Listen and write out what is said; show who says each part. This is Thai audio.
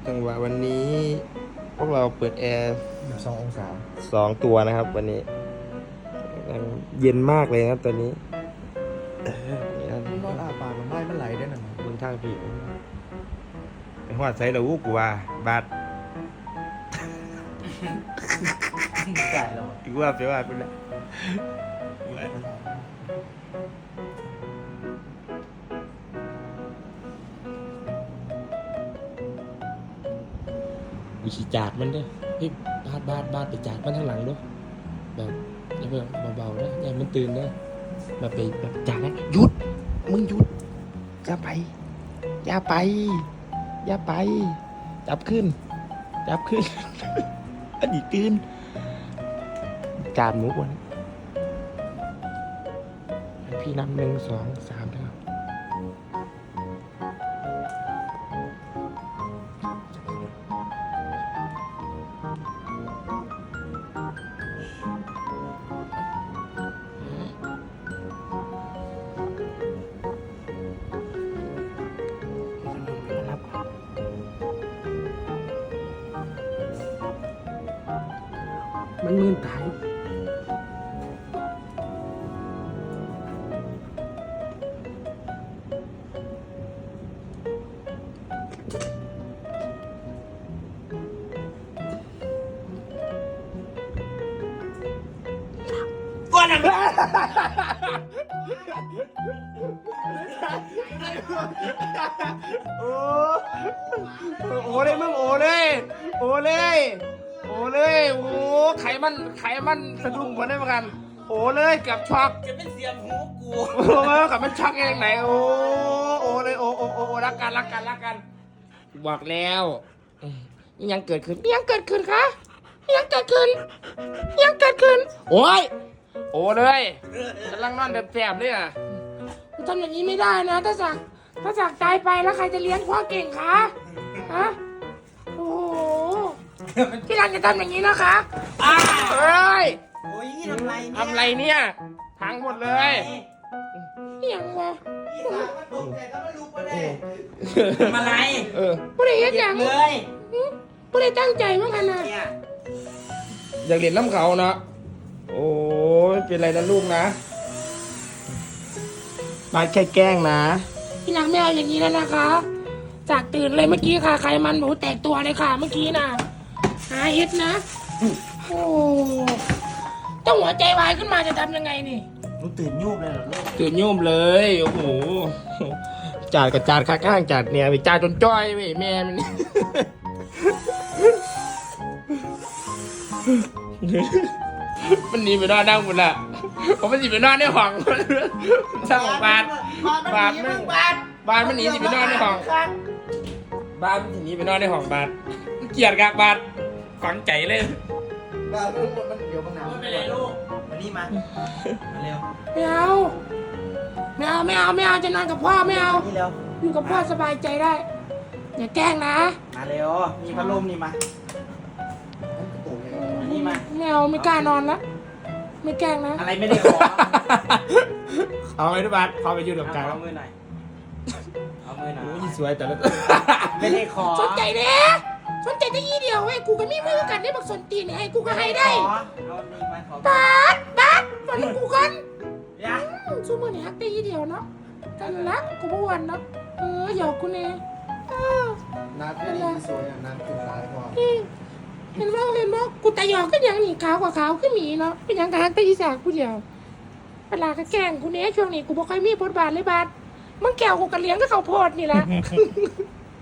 Speaker 1: จังหวะวันนี้พวกเราเปิดแอร์
Speaker 2: 2 องศา
Speaker 1: 2 ตัวนะครับวันนี้เย็นมากเลยครับตอนนี้นี่นะ
Speaker 2: มันนอนอาปากมันได้มันไหลได้หน่อย
Speaker 1: บนทางพี่ไปหอดใส่เรากูว่าบาด
Speaker 2: จ่ายแล้ว
Speaker 1: กูว่าไปว่าไปแล้ววิธีจาดมันเด้อพี่บาดไปจาดมันทางหลังด้วยแบบอย่าเพิ่งเบาๆนะอย่ามันตื่นนะมาไปแบบจาดนะหยุดมึงหยุดอย่าไปอย่าไปอย่าไปจับขึ้นอันนี้ตื่นจานหมูวันพี่นับ1 2 3นะครับมันมืนตายก้อนอะไรโอ้เลยมึงโอ้เลยโอ้เลยโอ้ไขมันสะดุ้งหมดได้เหมือนกันโอ้เลยเกับช็อก
Speaker 3: จะเป็นเสียงหูกู
Speaker 1: โอ้กับมันช็อกเองไหนโอ้เลยโอ้รักกันบอกแล้วนี่ยังเกิดขึ้นคะยังเกิดขึ้นโอ้ยโอ้เลยกำลังนอนแบบแสบเลยอ่ะทำอย่างนี้ไม่ได้นะถ้าสักตายไปแล้วใครจะเลี้ยงพ่อเก่งคะฮะโอ้โหพี่รันจะทำอย่างนี้นะคะเฮ้ย
Speaker 3: โอ้ยทำไรเนี่ย
Speaker 1: ทำไรเนี่ยพังหมดเลยเฮียงวะ
Speaker 3: พี่สาวมันตกแต่ก็ไม่รู้ประเด็นทำอะไร
Speaker 1: ผู้ใดเฮ็ดอย่าง
Speaker 3: เลย
Speaker 1: ผู้ใดตั้งใจมั้งกันนะ
Speaker 3: เนี่ย
Speaker 1: อยากเรียนน้ำเขาเนาะโอ้ยเป็นไรนะลูกนะมาแค่แกล้งนะพี่นางไม่เอาอย่างนี้แล้วนะคะ จากตื่นเลยเมื่อกี้ค่ะไขมันหมูแตกตัวเลยค่ะเมื่อกี้น่ะหาเฮ็ดนะโอ้ต้องหัวใจวายขึ้นมาจะทำยังไงนี่
Speaker 3: หนูตื่นยูบเลยเหรอลูก
Speaker 1: ตื่นโยมเลยโอ้โหจาดกับจาดข้างๆจาดเนี่ยไปจาดจนจ้อยเว้ยแม่มัน มันหนีไปนอนนั่งหมดละผมมันหนีไปนอนในห้องสร้างบาทมันหนีสิไปนอนในห้องบาทมันหนีไปนอนในห้องบาทเกลียดกับบาทฝังใจเลย
Speaker 2: บ้ามันเดี๋ยวมันหนาว
Speaker 3: ไม่เป็นไรลูกมานี่มาเร็ว
Speaker 1: ไม่เอาจะนอนกับพ่อไม่เอา
Speaker 3: นี่เร็ว
Speaker 1: อยู่กับพ่อสบายใจได้อย่าแกล้งนะ
Speaker 3: มาเร็วมีพัดลมนี่มานี่มา
Speaker 1: ไม่เอาไม่กล้านอนละไม่แกล้งนะ
Speaker 3: อะไรไม่ได้ขอ
Speaker 1: เอาไปทุกบาทพอไปยืนกับกลาง
Speaker 3: เอามือหน่อยเอามือหน่อย
Speaker 1: โอ้ยสวยแต่ละ
Speaker 3: ไม่ได้ขอ
Speaker 1: สนใจเด้สนใจได้ยี่เดียวไอ้กูก็มีมือกันได้บักสนตีนไอ้กูก็ให้ได้
Speaker 3: ขอเอานี่มาขอบ
Speaker 1: าทวันนี้กูกัน
Speaker 3: ยะ
Speaker 1: สู้มือนี่ฮักได้ยี่เดียวเนาะกันละกูบ่วันเนาะหยอกกูเนี่ย
Speaker 2: น้ำที่สวยน้ำเป็นสายพอ
Speaker 1: เห็นว่ากูตาหยอกก็ยังหนีขาวกว่าขาวขึ้นหมีเนาะเป็นยังกะฮักได้ยี่สากกูเดียวเวลาก็แกล้งกูเนี่ยช่วงนี้กูบ่ค่อยมีบทบาทเลยบาทมึงแก้วกูกระเลี้ยงก็เขาโพดนี่แหละ